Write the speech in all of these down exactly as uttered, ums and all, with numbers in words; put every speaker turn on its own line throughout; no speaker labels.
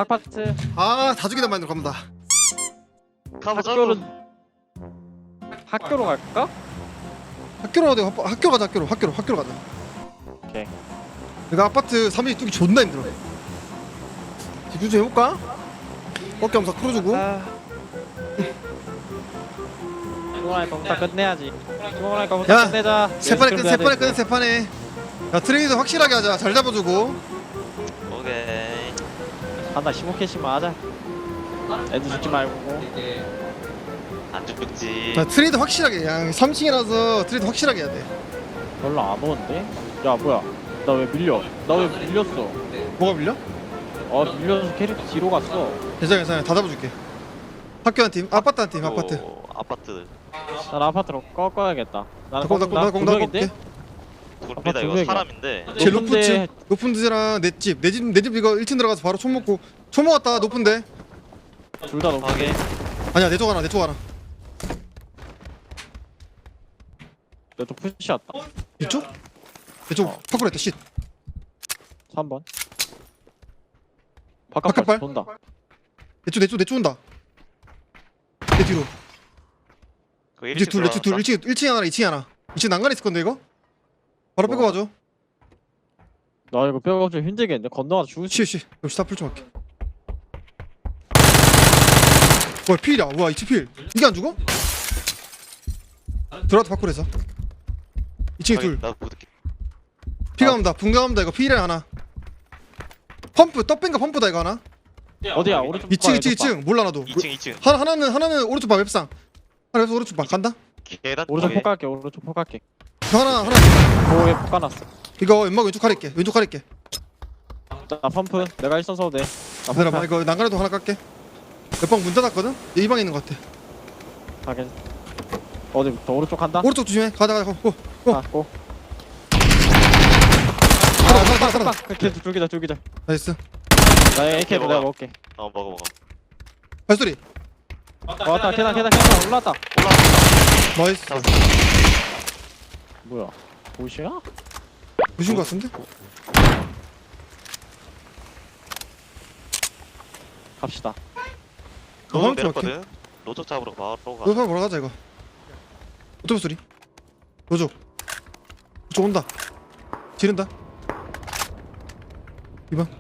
아파트.
아 다 죽이다 마인드로 갑니다.
학교로 학교로 갈까?
학교로 가자. 학교, 학교 가자. 학교로 학교로 학교로 가자.
오케이.
내가 아파트 삼 일 뚫기 존나 힘들어. 집중 좀 해볼까? 어깨 엄사 풀어주고.
아. 피곤하니까 부터 끝내야지. 피곤하니까 부터
야,
끝내자.
세 판에 끝, 세 판에 끝, 세 판에. 야 트레이드 확실하게 하자. 잘 잡아주고.
오케이.
한다 십오 킬씩만 하자. 애들 죽지 말고.
안 죽지.
야 트레이드 확실하게. 야 삼 층이라서 트레이드 확실하게 해야 돼.
별로 안 오는데? 야 뭐야? 나 왜 밀려? 나 왜 밀렸어?
뭐가 밀려?
어 밀려서 캐릭터 뒤로 갔어.
괜찮아 괜찮아. 다 잡아줄게. 학교 한 팀, 아파트 한 팀, 아파트.
오, 아파트.
난 아파트로 꺾어야겠다. 나는
나 꺾, 나 꺾, 나 꺾게.
둘이다
두
이거
명이야.
사람인데.
제일
높은데-
높은 집, 높은 데랑 내 집, 내 집, 내 집 이거 일 층 들어가서 바로 총 먹고. 총 먹었다. 높은데.
둘 다 높은.
확인.
아니야 내 쪽 하나, 내 쪽 하나.
내또 푸시였다.
이쪽? 내쪽
어.
파쿠했다. 쉿.
삼 번. 바깥발
바깥발?
돈다.
내쪽 내쪽 내쪽 온다. 내 뒤로.
그
이제 둘, 내쪽 둘. 일 층, 일 층에 하나, 이 층에 하나. 이 층 난간 있을 건데 이거? 바로 빼고
뭐?
와줘.
나 이거 뼈가 좀 힘들겠는데 건너가서 죽을 수.
쉿, 쉿. 역시 다풀 좀 할게. 와 필이야. 와 이 층 필. 이게 안 죽어? 들어와도 파쿠에서. 이 층에 둘.
나 보드게.
피가 온다. 분가온다 이거 필이야 하나. 펌프 떡ben가 펌프다 이거 하나.
어디야? 오른쪽.
이 층,
봐,
이 층, 이
왼쪽 봐.
층. 몰라 나도.
이 층 이 층.
하나 하나는 하나는 오른쪽 봐 웹상. 하나 오른쪽 봐 간다.
계단
오른쪽
쪽에.
폭 갈게. 오른쪽 폭 갈게.
하나 하나.
고에 폭 까놨어.
이거 왼쪽 왼쪽 가릴게. 왼쪽 가릴게.
나 펌프. 내가 일선 써도 돼. 나
기다려봐.
펌프
이거 난간에도 하나 깎게. 옆방 문 닫았거든. 이 방에 있는 것 같아.
가게. 어디부터? 오른쪽 간다.
오른쪽 조심해. 가자 가자. 고. 고.
아, 고.
살아 살아 살아. 살아.
걔 줄기자 줄기자.
나이스.
나 에이케이로 내가 먹을게.
어 먹어 먹어.
발소리.
왔다. 계단 계단 계단 올라왔다.
올라왔다.
나이스.
잡았어.
뭐야? 보시야?
보신 것 같은데?
갑시다.
로드
화면
내렸거든. 로드 잡으러 바로 가.
너 사람 뭐라 가자 이거. 오토바이 소리. 노족. 그쪽 온다. 지른다. 이 번.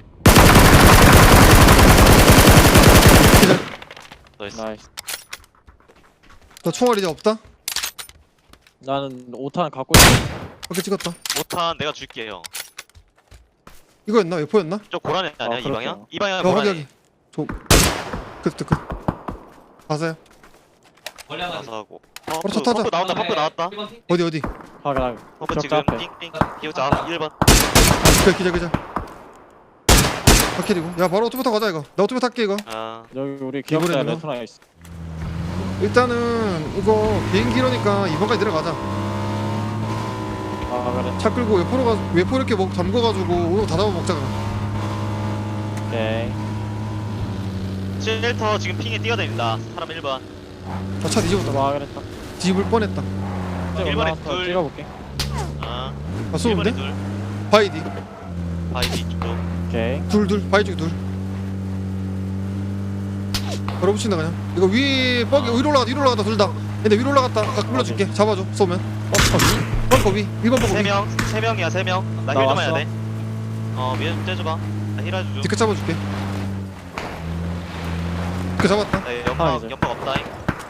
기절.
나이스.
나이스.
나 총알 이제 없다.
나는 오탄 갖고 있어.
밖에 찍었다.
오탄 내가 줄게 형.
이거였나? 웨포였나?
저 고라니 아니야
아,
이
그렇구나.
방향? 이 방향
야, 여기
고라니.
여기. 저. 끝, 끝, 끝. 가세요.
가서 하고.
바로
펌프
차 타자.
펌프 나온다 펌프 나왔다.
어디 어디?
확인 확인.
펌프
적자
지금
앞에.
띵띵. 기호자 일 번.
그래, 기자, 기자. 바퀴리고. 야, 바로 오토바이 타고 가자 이거. 나 오토바이 탈게 이거.
아
여기 우리 기억자
이번에는
레토나 있어.
일단은 이거 비행기로니까 이번까지 내려가자.
아 그래.
차 끌고 외포로 가, 외포 이렇게 먹 잠궈가지고 오늘 다 잡아 먹자.
오케이.
쉘터 지금 핑에 뛰어다닌다. 사람 일 번.
나차 뒤집었다.
아 그랬다.
뒤집을 뻔했다.
이제
일 번에
올라가서
둘.
찍어볼게.
아
아,
일 번에
쏘는데?
둘.
바이디.
바이디 쪽.
오케이.
둘, 둘. 바이 쪽에 둘. 바로 붙인다 그냥. 이거 위 뻑이 위로 올라갔다, 위로 올라갔다 둘 다. 근데 위로 올라갔다. 각 불러줄게. 잡아줘. 쏘면. 뻑거 위. 일 번 뻑거
세
위.
명, 세 명이야 세 명. 나
나
힐 좀
왔어.
해야 돼. 어 위에 좀 떼줘봐. 나 힐 해줘.
뒤끝 잡아줄게. 그 잡았다.
나
아,
연막
이제.
연막 없다잉.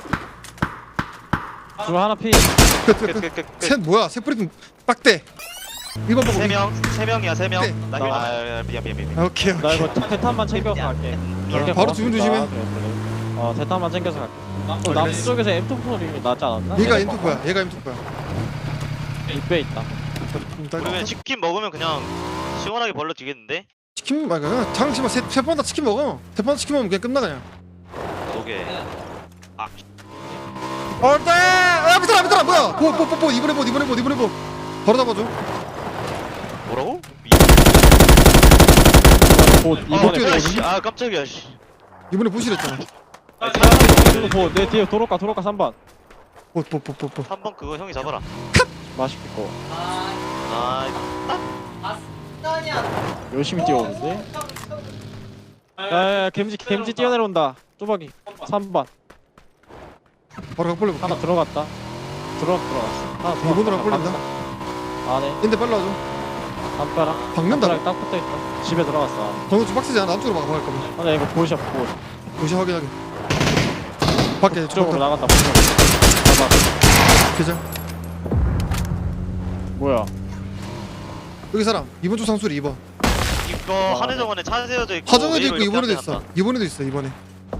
줄 하나 피.
끝, 끝, 끝.
끝끝끝.
셋 뭐야? 셋 뿌리면 빡대. 일 번 뻑거
세
위.
명, 세 명이야 세 명.
네.
나
나
힐.
왔어.
아 미안 미안 미안.
오케이,
나
오케이.
이거 대탄만 챙겨서 갈게.
아, 바로 주문 조심해.
어 대탄만 챙겨서 갈게. 또
그래.
남쪽에서 엠 투 소리 나지 않았나?
얘가 엠투코야. 얘가 엠투코야.
입에 있다.
우리 그냥 치킨 먹으면 그냥 시원하게 벌러 지겠는데?
치킨 말고 그냥 장치만 세번 다 치킨 먹어. 세 번 치킨 먹으면 그냥 끝나 그냥.
오게. 아
어때? 야 밑에 밑에 뭐야? 보보보보 이번에 보 이번에 보 이번에 보. 바로 잡아줘.
뭐라고?
보
어떻게
이번에
돼?
아, 씨, 아 깜짝이야 씨.
이번에 보시랬잖아.
보내 뒤에 도로가 도로가 삼 번.
보보보보보.
한 번 그거 형이 잡아라.
맛있겠고.
아
열심히 뛰어오는데. 야야야 겜지 겜지 뛰어내려온다. 뚜벅이 삼 번
바로 각 벌려볼게.
하나 들어갔다. 들어 들어갔어. 하나 들어갔다.
이번으로 각 벌린다.
안에
인데 빨리 와줘.
담벼락
박는다고?
담벼락에 딱 붙어있다. 집에 들어갔어.
방금 좀 빡세지 않아? 남쪽으로 막아갈 거면.
아나 이거 보이셔 보이.
무시 확인하게. 밖에
이쪽으로
쪽
나간다. 봐봐.
계절.
뭐야?
여기 사람. 이번 주 상수리 이번.
이거
아,
한해정원에 차 세워져 있고
하정에도
웨이로
있고
이렇게
이번에도
앞에
있어.
놨다.
이번에도 있어 이번에.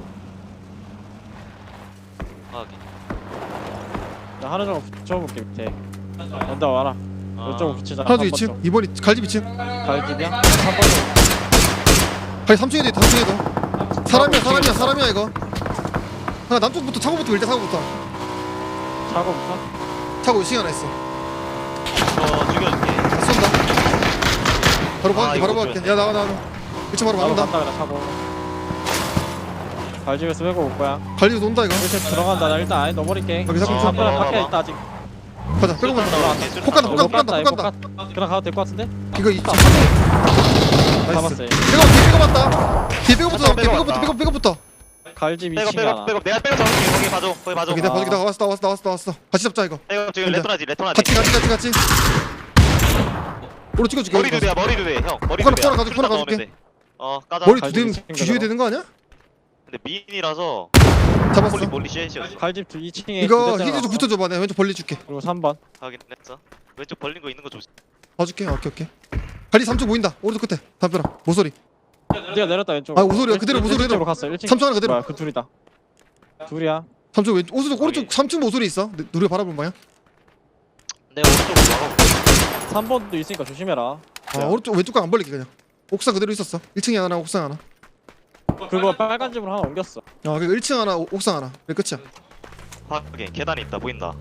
아, 오케이.
나 하나 좀 붙여볼게 밑에. 온다 와라.
아,
이쪽으로 붙이자.
하나 이 층. 이번이 갈집 이 층.
갈집이야? 한 번.
아니 삼 층에도 있다. 삼 층에도. 사람이야 사람이야 사람이야 이거. 하나 남쪽부터 차고부터 밀자 차고부터.
차고부터.
차고 이 층 하나 있어.
이거 죽여줄게.
다 쏜다. 바로
아,
박을게
이거
바로 박을게.
좋네.
야 나가 나가. 일 층 바로
나도
박는다.
간다 그냥 차고. 갈집에서 빼고 올 거야.
갈집에서 온다 이거.
일찍 들어간다. 나 일단 안에 넣어버릴게.
여기 자꾸
어,
좀
담벼락
봐봐,
밖에
봐봐.
있다 아직.
가자. 빼고 간다.
들어갈게.
폭 간다 폭
이거
간다 폭 간다 폭
이거
간다.
깠- 그냥 가도 될 것 같은데?
이거 이 층. 나이스.
잡았어.
백업 뒤에 백업 왔다. 뒤에 백업부터
아,
잡을게.
백업
백업부터
왔다.
백업 백업부터.
갈집
백업
이 층에
백업
하나.
백업 내가 백업 잡을게. 거기 봐줘. 거기 봐줘.
여기 내가
아.
봐줄게. 나 왔어 나 왔어 나 왔어 나 왔어. 같이 잡자 이거.
백업 지금
근데-
레토나지 레토나지.
같이 같이 같이 같이. 오로 찍어줄게.
머리 두 대야 머리 두 대. 형 머리
하나,
두 대야.
하나 가져, 하나
넣으면
가져올게.
돼. 어 까자.
머리
갈집
두 대는
이 층
뒤져야 되는 거 아니야?
근데 미인이라서
잡았어.
홀리 몰리 쉐이시였어.
갈집 이 층에
이거 히지 좀 붙여줘봐. 내가 왼쪽 벌리 줄게.
그리고 삼 번.
확인했어. 왼쪽 벌린 거 있는 거 조심.
봐줄게. 오케이 오케이. 갈리 삼 쪽 보인다. 오른쪽 끝에. 담벼락. 모서리.
네가 내렸다 왼쪽.
아, 오소리야. 그대로 모서리로.
쪽으로 갔어. 일 층.
삼 층 하나 그대로.
뭐야 그 둘이다. 둘이야.
삼 쪽 왼쪽. 오른쪽 오른쪽
여기.
삼 층 모서리 있어. 내- 누리가 바라보는 방향.
내가 오른쪽으로 막아볼게.
삼 번도 있으니까 조심해라.
아 오른쪽 왼쪽 거 안 벌릴게 그냥. 옥상 그대로 있었어. 일 층에 하나 옥상 하나.
그거 빨간 집으로 하나 옮겼어.
아 그리고 일 층 하나 오- 옥상 하나. 그게 끝이야.
확인. 계단이 있다. 보인다.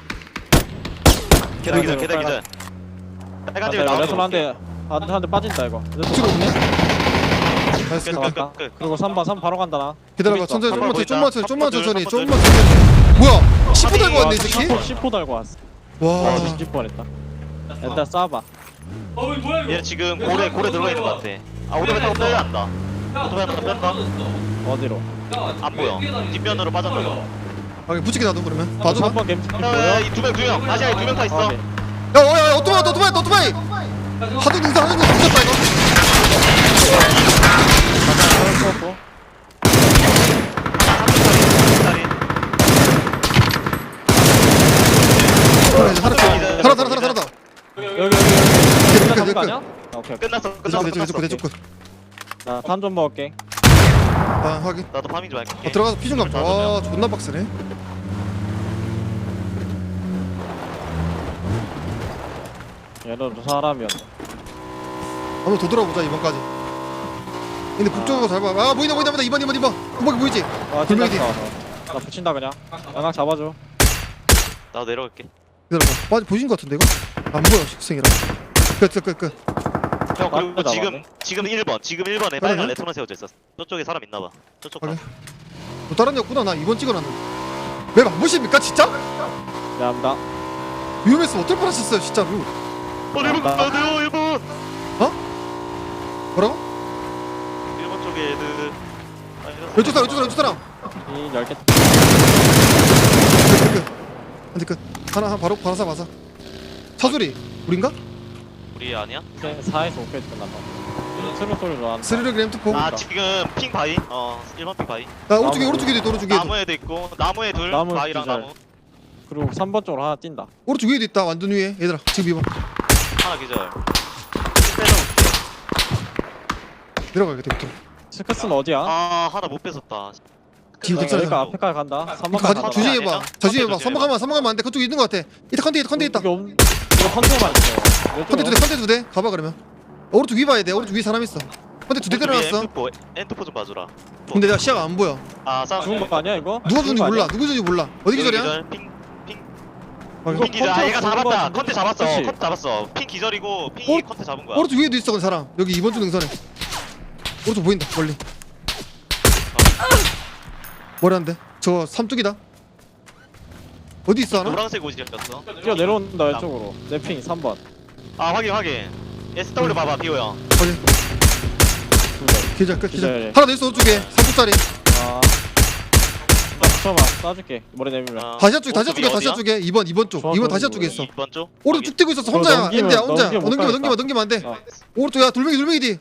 계단
여기
기절 계단
빨간-
기절. 빨간 집에
아,
나와.
레토나 한대 한대 빠진다 이거.
뒤로 오네. 나이스.
끝,
아,
끝,
맞다.
끝, 끝.
그리고 삼 번 삼 번 바로 간다 나.
기다려봐.
둘 있어.
천천히
한
좀만
번
천천히 좀만
보인다.
천천히 좀만
한
천천히
번
좀만 천천히. 뭐야? 십 호 달고 왔네 이 새끼.
십 호 달고 왔어.
와.
와 뒤집 뻔했다. 일단 쏴봐.
얘 지금 고래 고래 들어가 있는 것 같아. 아 오토바이 타고 빼야 한다. 오토바이 타고 뺀다.
어디로?
안 보여. 뒷면으로 빠졌나 봐.
아 붙이게 놔둬 그러면. 봐줘봐.
삼 번 겜지 보여?
야이두명두 명. 다시 두명 다 있어.
오케이.
야야야 오토바이 왔다, 오토바이 왔다, 오토바이. 하도 능사 하도 능사 붙였다 이거.
쏘고.
그래, 이제 살았다. 살았다 살았다 살았다.
여기 여기 여기.
끝,
끝난
끝,
거
끝.
아니야? 아, 오케이. 오케이.
끝났어.
내쪽
끝났어.
내쪽 내쪽 내쪽
끝났어.
끝.
나탄 좀 먹을게.
아 확인.
나도 파밍 좀 할게.
어, 들어가서 피 좀 감자. 와 존나 빡세네.
얘는 사람이었다.
한번 더 돌아보자 이번까지. 근데 북쪽으로 잘 봐. 아 보인다 보인다 보인다. 이번 이번 이번. 음악이 보이지?
와
불명이
찐다. 나 붙인다 그냥. 양각 잡아줘.
나도 내려갈게.
기다려봐. 맞아 보신 것 같은데 이거? 안 보여 식생이라. 끝끝끝 끝.
형 그리고
맞다,
지금
맞네.
지금 일 번 지금 일 번에
맞네.
빨간 레토나 세워져 있었어. 저쪽에 사람 있나 봐. 저쪽 가.
확인. 또 다른 데 없구나. 나 이번 찍어놨는데. 왜 안 보십니까 진짜?
야나
위험했으면 어떨 뻔하셨어요 진짜로.
어 일 번 가야 돼요 일 번.
뭐라고?
일 번 쪽에 애들. 아, 이랬어.
왼쪽 사람 왼쪽 사람 왼쪽 사람.
이 열 개.
끝 끝 끝. 안돼 끝. 하나 하나 바로 바로 사 맞아. 차소리 우린가?
우리 아니야?
사에서 오까지 끝난다. 스루 소리 좋아한다.
스르륵 램트포.
아 지금 핑 바위. 어 일 번 핑 바위.
나 오른쪽에 오른쪽에도 있다 오른쪽 위에도.
나무에도 있고 나무에 둘.
나무
바위랑
기절.
나무.
그리고 삼 번 쪽으로 하나 뛴다.
오른쪽 위에도 있다 완전 위에 얘들아 지금 이번
하나 기절. 빼서
내려가야겠다 밑으로.
스크스는 어디야?
아 하나 못 뺏었다.
지금
여기가
괜찮아.
앞에까지 간다. 삼
이거
번까지
가
간다.
조심해봐.
아니야?
조심해봐.
컨테
삼번 가면 삼번 가면 안돼. 그쪽에 있는 거 같아. 이따 컨테 있다 컨테 있다.
이거 없- 이거 컨테만 있어.
컨테 두대 컨테 두대 가봐 그러면. 오른쪽 위 봐야 돼. 오른쪽 위에 사람 있어. 컨테 두대 때려놨어.
엔트포 엔트포 좀 봐주라.
근데 내가 시야가 안 보여.
아 싸움.
죽은 거 아니야 이거?
누가
죽은
죽은지
거
몰라.
아니야?
누구 죽은지 몰라. 어디 기절이야?
기절. 핑
확인.
이거
핑 기절. 아
컨테
얘가
죽은 거
잡았다.
같은데?
컨테 잡았어.
그치?
컨테 잡았어. 핑 기절이고 핑이
어?
컨테 잡은 거야.
오른쪽 위에도 있어 그 사람. 여기 이번 주 능선에. 오른쪽 보인다 멀리. 머리 한 대. 저 삼뚝이다. 어디 있어 하나?
노란색 옷이었어.
뛰어 내려온다 왼쪽으로. 내핑 삼 번.
아 확인 확인. 에스더블유 봐봐 비오 형.
확인. 기절 끝 기절.
기절해.
하나 더 있어 오른쪽에 삼십짜리.
아 나 붙여봐 쏴줄게 머리 내밀면
어.
다시아 쪽에 다시아
오른쪽이
쪽에 다시아
어디야?
쪽에 이 번 이 번 쪽.
좋아,
이 번
좋아,
다시아
좋아.
쪽에 있어.
이번 쪽?
오른쪽 쭉 뛰고 있었어 혼자야.
넘기면-
엔드야 혼자. 어,
넘기면 못
넘기면 넘기면
가겠다.
넘기면 안 돼.
어.
오른쪽 야 돌멩이 돌멩이 뒤.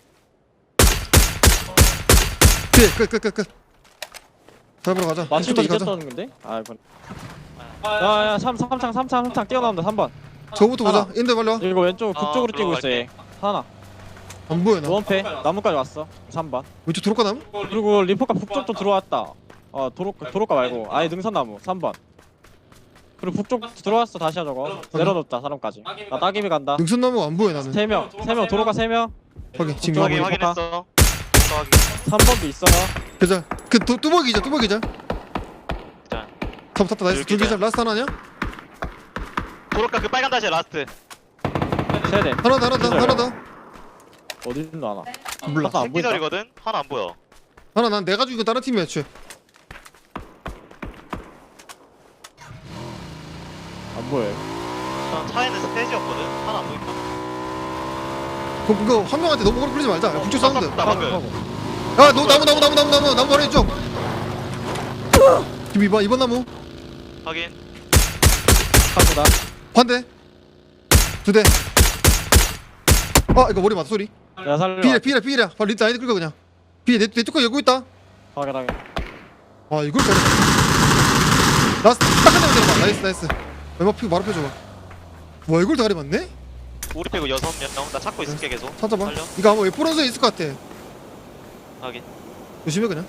뒤에 끝끝끝 끝. 잡으러 가자.
마침
이쪽까지
이제
가자.
떠는 건데? 아 이건 야야 삼 삼창 삼창 삼창 뛰어나온다 삼 번
저부터 보자.
하나.
엔드 빨리 와.
이거 왼쪽
어,
북쪽으로 뛰고 있어
들어갈게.
얘 하나
안 보여 나.
노원패 나무까지 왔어 삼 번
왼쪽 도로가 남?
그리고 리포카 북쪽도 들어왔다 어 도로, 도로가 말고 아예 능선나무 삼 번 그리고 북쪽 들어왔어 다시 저거 내려놓다 사람까지 나 따기비 간다
능선나무가 안 보여 나는.
세명 세 명 도로가 세명
확인. 지금
저기
확인
나무.
리포카.
확인했어. 확인.
삼 번도 있어
계절. 그 뚜- 뚜벅이죠 뚜벅이죠.
자,
잡 탔다 나이스.
여기
둘 계절
기절.
라스트 하나냐?
도로가 그 빨간 다시 라스트.
세대
하나 더 하나 더
기절.
하나 더.
어디 있는 하나
몰라.
아까 안 보인다
새끼절이거든. 하나 안 보여.
하나 난 내가 죽이고 다른 팀이야 애초에.
안 보여
전 차에는 스테이지였거든. 하나 안 보인다.
그럼 그거 한 명한테 너무 오래 끌리지 말자. 야, 북쪽 사운드.
나 방금.
야, 너 나무 나무 나무 나무 나무 나무 바로 이쪽. 지금 이번 이번 나무
확인.
카드다
반대. 두 대. 아 이거 머리 맞 소리.
내가 살려
피해 피해 피해야. 바로 리트 아이디 끌고 그냥. 피해 내내 뚜껑 열고 있다.
확인하게
아 이걸 잘해. 라스트 딱 끝내면 되나 나이스 나이스. 얼마 피고 바로 펴줘봐. 와 이걸 다리 맞네?
우리 빼고 여섯 명. 나 찾고 있을게 계속.
찾아봐.
살려.
이거 아마 웨포런스에 있을 것 같아.
확인.
조심해 그냥.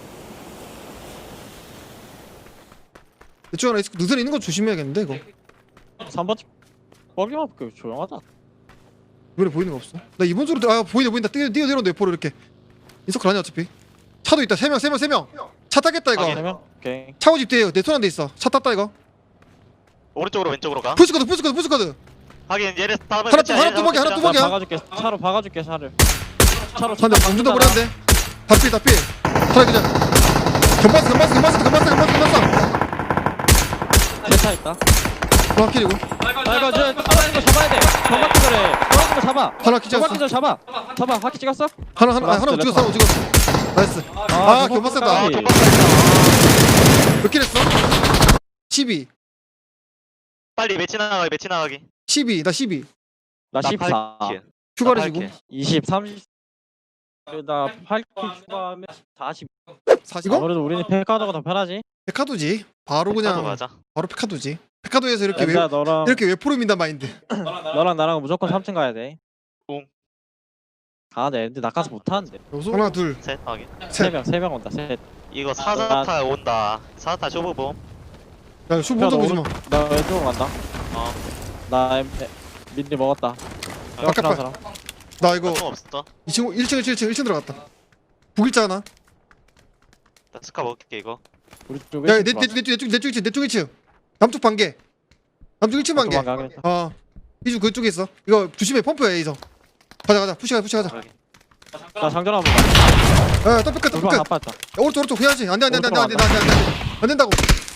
이쪽 하나 있을 능선에 있는 거 조심해야겠는데 이거.
삼 번 거기만 볼게 조용하다
이번에 보이는 거 없어. 나 이번 주로 아 보인다 보인다. 뛰어 뛰어 내려온다 웨포로 이렇게. 인서클 아니야 어차피. 차도 있다. 세 명 세 명 세 명. 차 타겠다 이거.
확인.
세명 오케이
차고 집 뒤에 내 손 안 돼 있어. 차 탔다 이거.
오른쪽으로 왼쪽으로 가.
푸시코드 푸시코드 푸시코드.
확인. 얘네 다음에
하나 또, 하나 뚜벅이, 하나
나
뚜벅이. 뚜벅이야?
박아줄게 차로 박아줄게 차를 차로
한대 방준다 버렸는데. 다필 다필. 차라 그냥. 견봤어 견봤어 견봤어 견봤어 견봤어 견봤어.
세차 있다
하나 킬이고.
아 이거 저 떨어진 거 잡아야 돼 정박 기절해 떨어진 거 잡아
하나 킬
정박
찍었어.
기절 잡아 잡아 바퀴 찍었어?
하나 하나 아, 하나
라스트,
찍었어 하나 찍었어. 나이스. 아,
저거
견봤었다.
아,
끝까지.
깜빡이야.
몇 킬 했어? 십이.
빨리 매치 나가기. 매치 나가기.
십이. 나 십이.
나
나
십사
팔 킬.
휴가를
나
지고.
팔 킬.
이십 삼십 나 팔 킬 추가하면 사십
사십. 이거?
아무래도 우리는 페카도가 더 편하지
페카도지. 바로
백화도
그냥
가자.
바로 페카도지. 페카도에서 이렇게 왜
야 너랑
이렇게 웨포로 민단 마인드.
너랑 나랑 무조건 삼 층 가야 돼
응.
가네 근데 나가서 못하는데
하나 둘
셋. 확인.
셋.
세명 세 명 온다 셋
이거 사자타 온다. 사자타 쇼부봄.
야, 슈 먼저 보지 마.
나 왼쪽으로 간다
어.
나 엠- 에, 민니 먹었다
아까
한
봐.
사람
나 이거
거 없어.
이 친구 일 층 일 층 일 층 일 층 들어갔다. 북일자 하나.
나 스카 먹을게 이거.
우리 쪽에
야, 내내내쪽내쪽내쪽 일 층 내쪽 일 층. 남쪽 반개. 남쪽 일 층 반개. 어. 이중 그쪽에 있어. 이거 조심해 펌프야 이성. 가자 가자 푸시 가자 푸시 가자.
나 장전 한번 봐
야, 떡 끝, 떡
돌방
끝.
나빴다
야, 오른쪽 오른쪽 해야지. 안돼 안돼 안돼 안돼 안돼
오른쪽
안돼 안돼 안 된다고.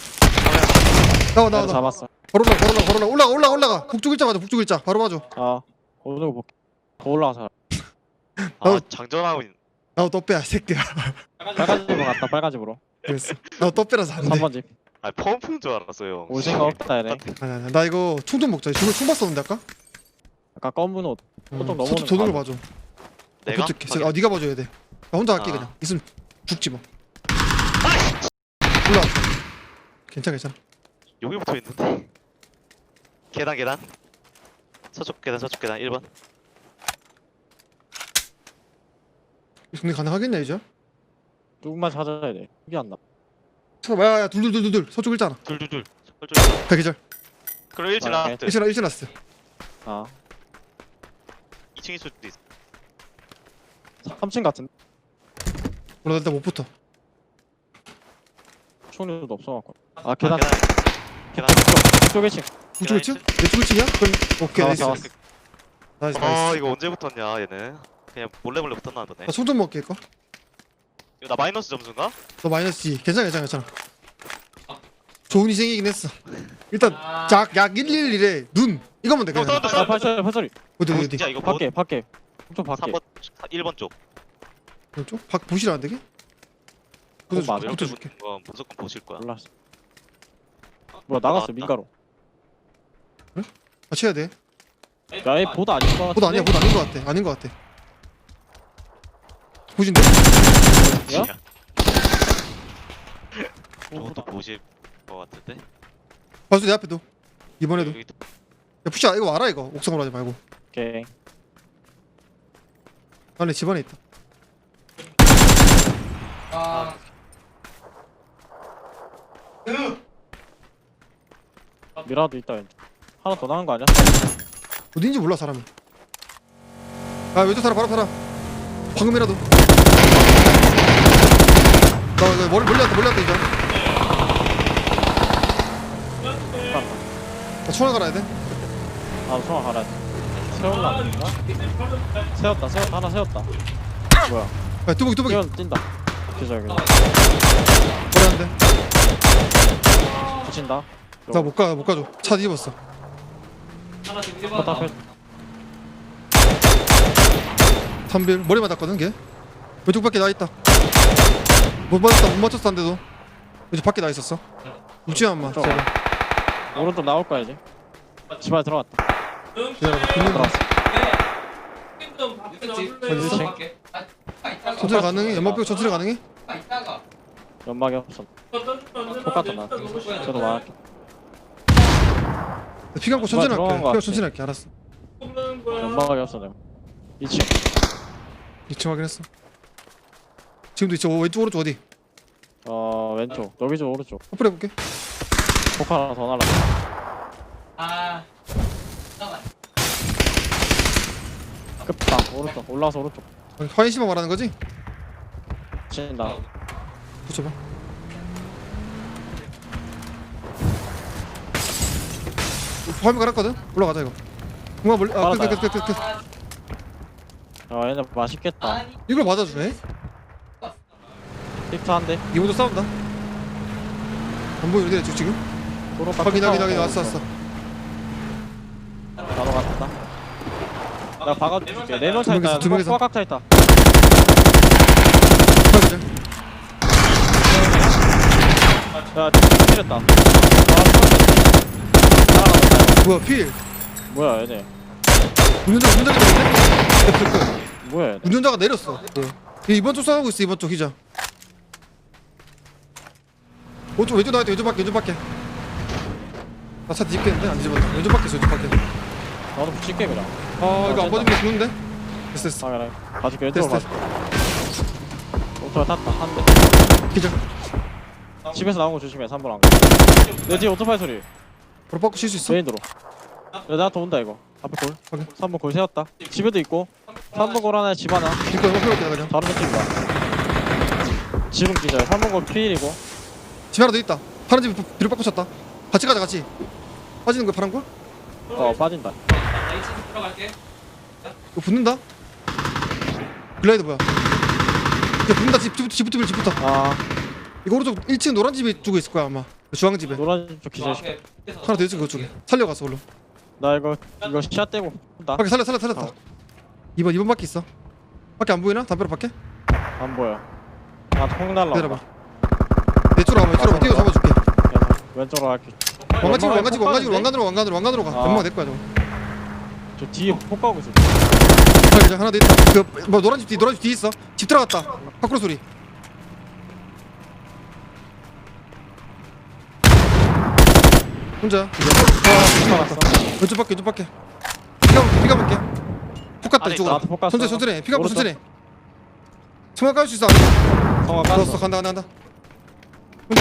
나와 나와
나도
나와.
잡았어
바로 올라 바로 올라 바로 올라 올라가 올라가 올라가. 북쪽 일자 가자 북쪽 일자 바로 봐줘.
어 오는 거 볼게 더 올라가서
아
어.
장전하고 있.
나도 떡 빼야 이 새끼야.
빨간 집으로 갔다 빨간 집으로
그랬어. 나도 떡 빼라서 안 돼.
삼 번 집
아 펌프인 줄 알았어요.
올 생각 없다 얘네
아니 아니 나 이거 총 좀 먹자. 저거 총 봤었는데 아까?
아까 검은 옷 보통 넘어오는
서쪽 도는
거
걸 봐줘.
내가.
어떻게?
확인.
아 네가 봐줘야 돼. 나 혼자 할게
아.
그냥. 있으면 죽지 뭐. 올라. 괜찮아 괜찮아.
여기 붙어 있는데. 계단 계단. 서쪽 계단 서쪽 계단 일 번.
근데 가능하겠냐 이제?
누구만 찾아야 돼 이게 안 나.
찾아봐. 야야 둘둘둘둘 서쪽 일자 하나.
둘둘둘. 설쪽.
다 계절.
그럼 일 층
아,
라스트.
일층 일층 라스트.
아
이 층일 수도 있어.
삼 층 같은
몰라 나 일단 못 붙어.
총류도 없어갖고 아
아,
계단
계단.
이쪽 일 층
북쪽 일층? 내쪽 일층이야? 그럼 오케이
나와,
나이스
나와.
나이스 나이스.
아
나이스.
이거 언제 붙었냐 얘는. 그냥 몰래 몰래 붙었나 보네.
나 총 좀 먹게 이거.
이거 나 마이너스 점수인가?
너 마이너스 이. 괜찮아 괜찮아 괜찮아. 좋은 희생이긴 했어. 일단 작약 일일일에 눈 이거면 돼
형
그냥.
사운드
아
사운드.
발소리 발소리
어디 어디 어디.
진짜 이거 뭐?
밖에 밖에 좀 밖에
삼 번 일 번 쪽.
왼쪽? 박 보시라 안 되게?
어, 맞아.
붙어줄게 붙어줄게
붙은 거 무조건 보실 거야.
몰랐어. 뭐야 나갔어
나왔다.
민가로.
같이 해야 돼
야얘 보드 아닌 거 같은데.
보다 아니야 보다 아닌 거 같아 아닌 거 같아 보신데?
야?
저것도 보실 거 같은데.
봐줘 내 앞에도 이번에도
여기 또-
야 푸시야 이거 와라 이거 옥상으로 하지 말고
오케이.
안에 집안에 있다
미라도 있다 왼쪽. 하나 더 나간 거 아니야?
어딘지 몰라 사람이 아 왼쪽 사람 바로 사람 방금이라도 나 이거 머리 멀리 왔다 멀리 왔다 이제 나 총알 갈아야 돼
아 총알 갈아야 돼. 세웠나? 뭔가? 세웠다 세웠다 하나 세웠다. 뭐야?
야 뚜벅이 뚜벅이
뛰어 뛴다. 기절 그냥.
머리 안돼
붙인다.
나 못 가 못 가줘 차 뒤집었어
포탑 앞에
삼빌 머리 맞았거든 걔 왼쪽 밖에 나 있다 못 맞았다 못 맞췄어 한데도 왼쪽 밖에 나 있었어 웃지마 마
저.
제발
오른쪽 나올 거야 이제. 집 안에 들어갔다.
기다려봐 붙는 거
들어왔어.
천천히 가능해? 연막 빼고 천천히 가능해?
연막이 없어. 똑같다 나. 저도 말할게.
피 감고 천천히
들어간
할게
거
피 감고
같아.
천천히 할게 알았어
연막이 없어 내가. 이 층.
이 층 확인했어 지금도 있죠 왼쪽 오른쪽 어디?
어 왼쪽. 여기 좀 오른쪽.
커플 해볼게
폭 하나 더 날라. 끝방 오른쪽. 올라와서 오른쪽.
화인씨만 말하는 거지?
친다.
붙여봐 화면 갈았거든? 올라가자 이거 공간 멀리 아 끝 끝 끝 끝끝
아 얘네 맛있겠다.
이걸 맞아주네?
힙트 한대.
이번도 싸운다 안 보이는데 지- 지금?
도로
확인 확인 확인 왔어 왔어
바로 갔다. 나 박아줄게. 네명
두 명이서,
차있다.
두 명이서.
꼬깍 차있다.
확인
야 때렸다. 아 날아갔다.
뭐야 필
뭐야 얘네.
운전자 운전자 내렸네? 끝, 끝, 끝.
뭐야 얘네.
운전자가 내렸어 얘 이번 쪽 싸우고 있어 이번 쪽 희자 오른쪽 왼쪽 나와야 돼 왼쪽 밖에 왼쪽 밖에 나 차 뒤집겠는데? 안 뒤집었다 왼쪽 밖에 있어 왼쪽 밖에
나도 붙일게 그냥.
아 이거 안 받으면 죽는데? 됐어 됐어
아 그래. 봐줄게. 왼쪽으로
됐어,
봐줄게. 오토바이 탔다. 한 대.
기절
집에서 나온 거 조심해. 삼 번 안 가. 내 뒤에 오토바이 소리.
바로 바꿔 쉴수 있어?
메인도로. 야 나한테 온다 이거. 앞에 골.
확인.
삼 번 골 세웠다. 집에도 있고. 삼 번 골 하나에 집 하나.
이거 이거 필요할게 나 그냥
다른 거 찍다. 지금 기절. 삼 번 골 피일이고.
집 하나 더 있다 파란 집 뒤로 바꿔 쳤다 같이 가자 같이 빠지는 거야 파란 거?
어 빠진다.
이거 붙는다? 글라이드 뭐야 이거 붙는다 집, 집부터 집부터 밀 집부터
아
이거 오른쪽 일 층 노란 집에 두고 있을 거야 아마 주황집에
노란 쪽 기절시켜.
하나 더 있어 그쪽에 살려갔어 얼른
나 이거 이거 시야 떼고 나
밖에 살려 살려 살렸다
어.
이번 이번 밖에 있어 밖에 안 보이나? 담벼락 밖에?
안 보여. 아통 날라.
기다려봐 내 쪽으로 가봐 내 쪽으로 뛰어 잡아줄게
왼쪽으로 갈게.
왕관집으로
연막에
왕관집으로
폭
왕관집으로
가는데?
왕관으로 왕관으로 왕관으로 가
아.
연마가 내 거야 저거
저 뒤에 폭 가고 있어.
하나 기절 하나 더 있다 그뭐 노란 집 뒤 노란 집 뒤에 있어 집 들어갔다 밖으로 소리 혼자 아
갔어.
왼쪽 밖에 왼쪽 밖에 피가 볼게 피가 볼게 폭 갔다
안에
이쪽으로
나한테 폭 갔어.
천천히 천천히 해. 피가 고
오른쪽.
천천히 해. 총알 깔 수 있어
성화
넣었어
깠어.
간다 간다 간다 혼자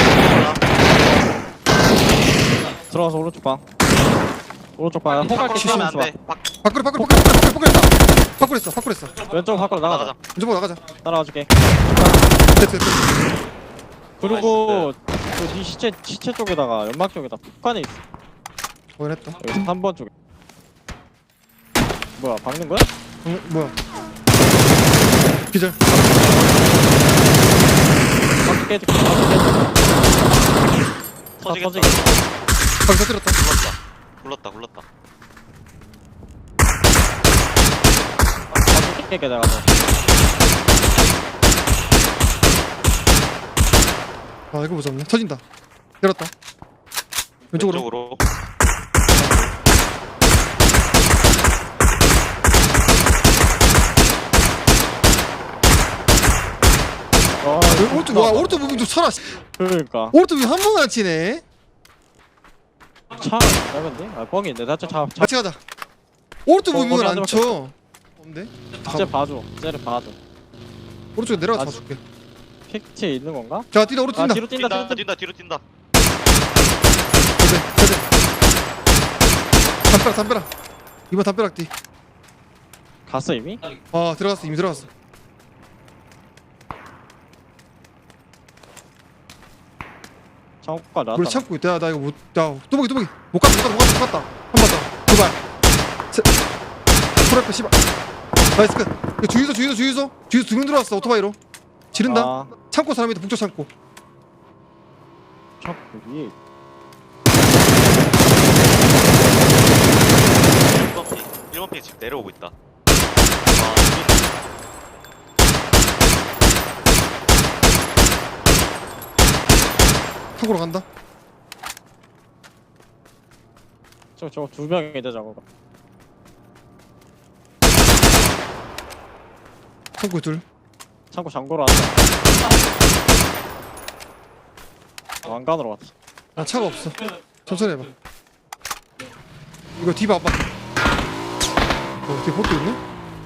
들어가서 오른쪽 방. 오른쪽 방. 폭 갈게.
시시면 안
시시면
돼. 밖
밖으로 밖으로 밖으로 밖으로 밖으로 했다 밖으로 했어 밖으로 했어
왼쪽 밖으로 나가자.
나가자.
왼쪽 밖으로 나가자
따라와줄게.
됐어 됐어
그리고 그네 시체 시체 쪽에다가 연막 쪽에다 폭간에 있어.
확인했다
여기 삼 번 쪽에. 뭐야 박는 거야?
어, 뭐야 기절
바퀴 깨지. 바퀴 깨지.
터지겠다.
터지겠다.
밖에 터뜨렸다
굴렀다. 굴렀다. 굴렀다.
바퀴 깨게 내가 너.
아 이거 무섭네. 터진다. 열었다. 왼쪽으로.
왼쪽으로.
아,
여기 오른쪽 와 오른쪽 무빙 좀 쳐라. 씨.
그러니까
오른쪽 무빙 한 번만 치네.
차 짧은데? 아 뻥인데 나저 잡 잡.
같이 가자. 오른쪽
어,
무빙을
거기
안
한
쳐. 없네.
쟤 봐줘. 쟤를 봐줘.
오른쪽에 내려가
아,
봐줄게.
픽트에 있는 건가?
자 뛰다 오른쪽
아
뛴다.
뒤로 뛴다 뒤로
뛴다
뛴다.
뛴다 뒤로 뛴다.
그래 그래. 담벼락 담벼락. 이번 담벼락 뛰.
갔어 이미?
아 들어갔어 이미 들어갔어.
창고가 나왔다.
우리 참고 있다. 나 이거 못. 야 뚜벅이 뚜벅이. 못 갔다 못 갔다 못 갔다. 한 번 더. 두 발. 셋. 프라이팬 씨발. 나이스 끝. 이거 주유소 주유소 주유소. 주유소 두 명 들어왔어 오토바이로. 지른다.
아,
창고 사람이다 북쪽 창고.
창고 위에.
일 번 핑. 일 번 핑 지금 내려오고 있다. 아,
창고로 간다.
저거 저거 두 명이다 저거.
창고 둘.
창고 잠궈로 왔다. 왕관으로 왔다.
아 차가 없어. 천천히 해봐. 이거 뒤 봐봐. 어 뒤에 복도 있네?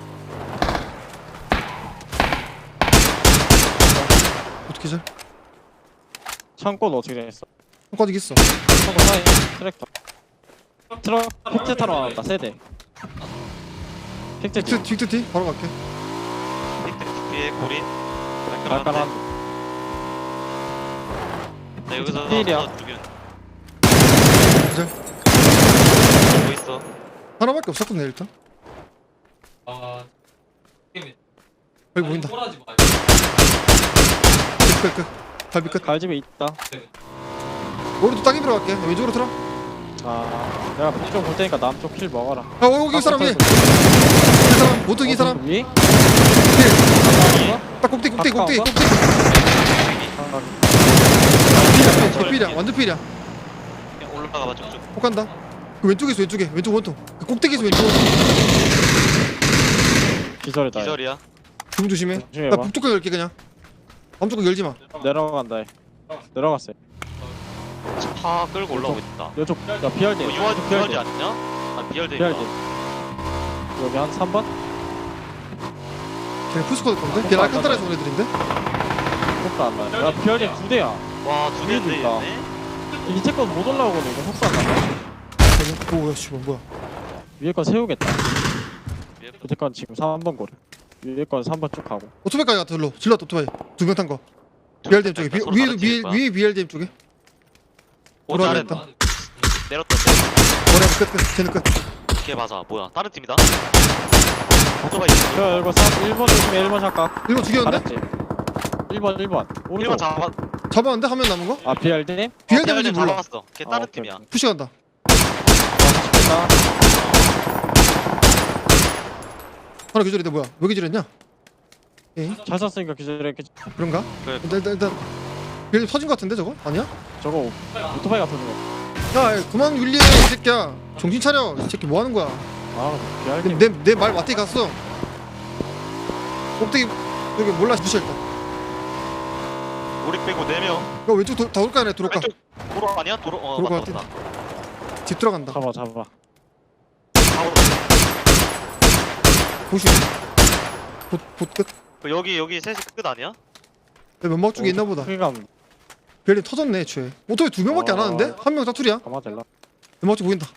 어떻게 잘?
창고는 어떻게 됐어?
한까지 있어.
창고 사이 트랙터. 트럭 픽트 타러 나왔다 세대. 픽트
빅트 빅트 뒤 바로 갈게.
뒤에 고린.
깔깔한.
나 여기서
필이야.
하나 죽이는.
기절.
뭐 있어?
하나밖에 없었거든 일단.
아,
여기 보인다.
꼬라지 마.
끝 끝. 갈비 끝.
갈집에 있다.
오른쪽 땅에 들어갈게. 왼쪽으로 틀어.
아 내가 북쪽 볼 테니까 남쪽 킬 먹어라.
아 여기 이 사람 위에. 이 사람 모두 이 사람.
위?
딱 꼭대기 꼭대기 꼭대기
가까운가?
꼭대기. 필이야 필이야 완전 필이야.
그냥 올라가봐 쭉쭉.
혹한다. 그 왼쪽에서 왼쪽에 왼쪽 원통. 그 꼭대기에서 왼쪽 원통.
기절이다.
기절이야.
좀 조심해.
조심해
나
봐.
북쪽 거 열게 그냥. 남쪽 거 열지 마.
내려간다. 내려갔어요.
차 끌고 올라오고 있다.
이쪽 야 비알디.
어, 유아지 비열대 아니냐? 아 비열대.
비알디. 여기 한 삼 번?
걔 푸스코드 건데? 걔 알칸타라에서 온 애들인데?
속도 안 나. 야 비알디 두 대야.
와두 대인데
위에도 있다.
있네.
밑에 건못 올라오거든. 이거 속도 안 나.
오 뭐야 씨발 뭐야.
위에 건 세우겠다.
위에 거.
밑에 건 지금 삼 번 고래. 위에 건 삼 번 쭉 가고.
오토바이까지 갔다 일로. 질렀다 오토바이. 두 명 탄 거. 비알디엠 쪽에. 비,
서로
위에도
다른
비,
팀일 거야.
위에 비알디엠 쪽에.
오 잘했다.
돌아가겠다.
내렸다.
머리 끝 끝. 쟤는 끝.
걔 맞아. 뭐야? 다른 팀이다. 오토바이.
야 이거 삼 일 번 조심해. 일 번 잠깐.
일번 죽였는데?
잘했지. 일 번 일 번.
일
오른쪽.
번 잡아.
잡았는데 한 명 남은 거?
아 비알디?
비알디엠인지 몰라.
잡았어. 걔
아,
다른
오케이,
팀이야.
오케이.
푸시 간다.
맛있겠다.
하나 기절인데 뭐야? 왜 기절했냐? 에이
잘 쐈으니까 기절했겠.
그런가?
그래.
일단 일단 일단 비알디엠 터진 거 같은데 저거? 아니야?
저거 오토바이 같은 거.
야 그만 윌리해 이 새끼야. 정신 차려. 이 새끼 뭐 하는 거야?
아 비알디.
내내말 맞대 갔어. 꼭대기 여기 몰라 무시했다.
우리 빼고 네 명.
야 왼쪽 도, 다 올까 아니야 들어올까?
왼쪽 도로 아니야? 도로. 어
도로가
맞다 맞다.
집 들어간다.
잡아 잡아.
바로
보시. 봇봇 끝.
그 여기 여기 셋이 끝 아니야?
면막 쪽에 있나 보다.
크기감
별이 터졌네 애초에. 오토바이 두 명밖에 안
어.
하는데? 한 명 사투리야?
가만 될라.
면막 쪽 보인다.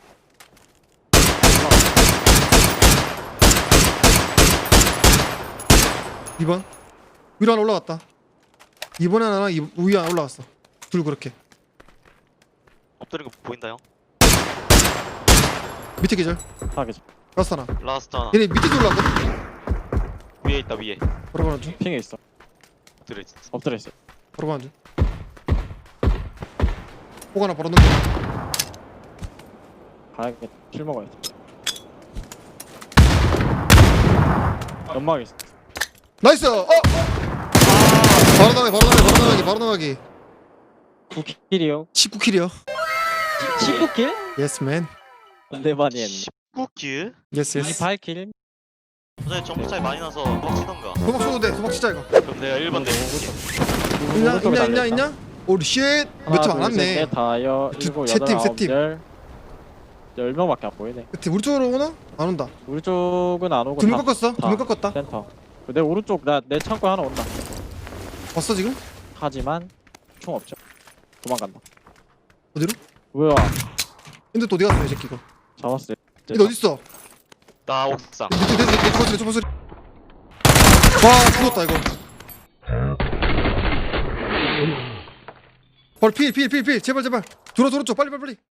이 번 위로 하나 올라갔다. 이번에 하나 이, 위에 하나 올라갔어. 둘 그렇게.
엎드린 거 보인다 형.
밑에 계절.
하겠지.
라스트 하나.
라스트 하나.
얘네 밑에 올라갔거든?
위에 있다 위에.
바로 가는 중.
핑에 있어.
엎드려 있어.
엎드려 있어.
바로 가는 중. 폭 하나 바로 넣는
가야겠다. 킬 먹어야지. 연막 있어.
나이스! 어! 바로 나가기 바로 나가기 바로 나가기 바로 나가기.
구 킬이요.
십구 킬이요.
십구 킬?
예스 맨.
네 많이 했네.
십구 킬?
예스 예스.
이십팔 킬.
선생님 점수 차이 많이 나서 막 치던가.
도박 쳐도 돼. 도박 치자 이거.
그럼 내가 일 번 내줄게.
있냐 있냐 있냐 있냐? 오리 쉣. 몇팀 안 왔네.
넷, 다여,
두-
일곱,
세
여덟,
팀, 세
아홉,
팀.
열. 열 명밖에 안 보이네.
그때 우리 쪽으로 오나? 안 온다.
우리 쪽은 안 오고
두 명
다
꺾었어. 두 명 꺾었다.
센터. 내 오른쪽 나 내 창고에 하나 온다.
왔어 지금?
하지만 총 없죠. 도망간다.
어디로?
뭐야?
근데 또 어디 갔어 이 새끼 이거?
잡았어.
근데 어디 있어?
나 옥상.
내 내 내 주먹 소리 주먹 소리. 와 죽었다 이거. 벌 필 필 필 필 제발 제발. 들어 들어 줘 빨리 빨리 빨리.